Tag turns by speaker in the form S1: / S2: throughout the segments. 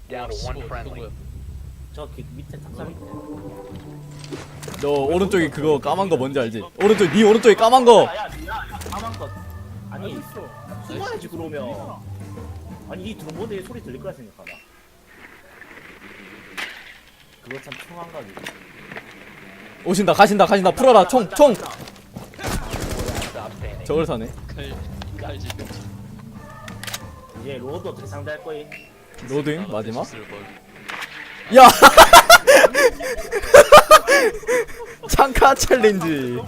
S1: Down to one friendly.
S2: 저 밑에 탑사 밑에.
S3: 너 오른쪽에 그거 까만 거 뭔지 알지? 오른쪽 네 오른쪽에 까만 거.
S2: 야, 까만 것. 아니, 숨어야지 그러면. 아니 이 드론보드에 소리 들릴 거라 생각하나? 그거 참 총한가지.
S3: 오신다 가신다 풀어라 총.
S1: Stop standing.
S3: 저걸 사네.
S4: 칼지
S2: 이제 로드 어떻게 상대할 거임?
S3: 로딩 마지막.
S4: 뭘.
S3: 야. 창카 챌린지.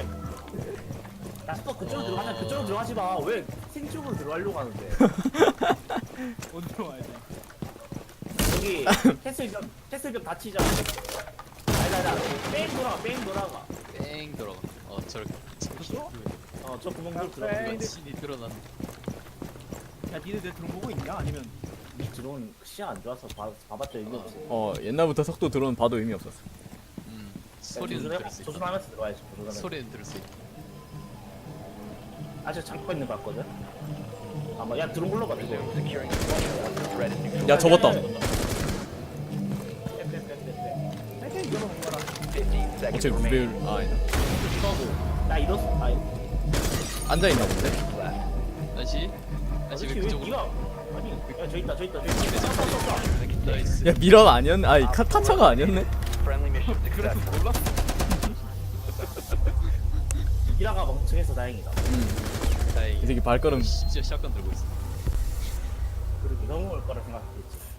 S2: 야, 또 그쪽으로 들어가자. 그쪽으로 들어가지 마. 왜 생쪽으로 들어가려고 하는데?
S5: 어디로 와야 돼?
S2: 여기 캐슬병 다치자. 아니다. 뺑 돌아가.
S4: 뺑 들어가. 저렇게
S2: 저 구멍으로 들어가.
S4: 신이 드러난.
S5: 야 니네 내 드론 보고 있냐? 아니면
S2: 이 드론 시야 안 좋아서 봐봤자 의미 없어.
S3: 옛날부터 속도 드론 봐도 의미 없었어.
S4: 소리는 들을 수 있다.
S2: 조준하면서 들어가야지. 조준하면서.
S4: 소리는 들을 수 있다.
S2: 아직 잠고 있는 것 같거든. 아마 야 드론 굴러가.
S1: Resume securing the perimeter once the threat is neutralized.
S3: 야 접었다.
S5: 빨리 이거로 먹어라.
S1: 15 seconds
S3: 어째
S1: remaining.
S3: 무배율 아니다.
S2: 나 이렇어.
S3: 앉아 있나 본데.
S4: 다시 왜
S2: 왜
S4: 그쪽으로?
S2: 니가 아니 야 저 있다.
S4: 나이스.
S3: 야 미런 아니었네. 아이 타차가 아니었네.
S1: Friendly mission successful.
S5: 몰라?
S2: 이라가 멍청해서 다행이다.
S3: 이
S4: 다행히.
S3: 새끼 발걸음.
S4: 진짜 샷건 들고 있어.
S2: 그리고 넘어올 거라 생각했지.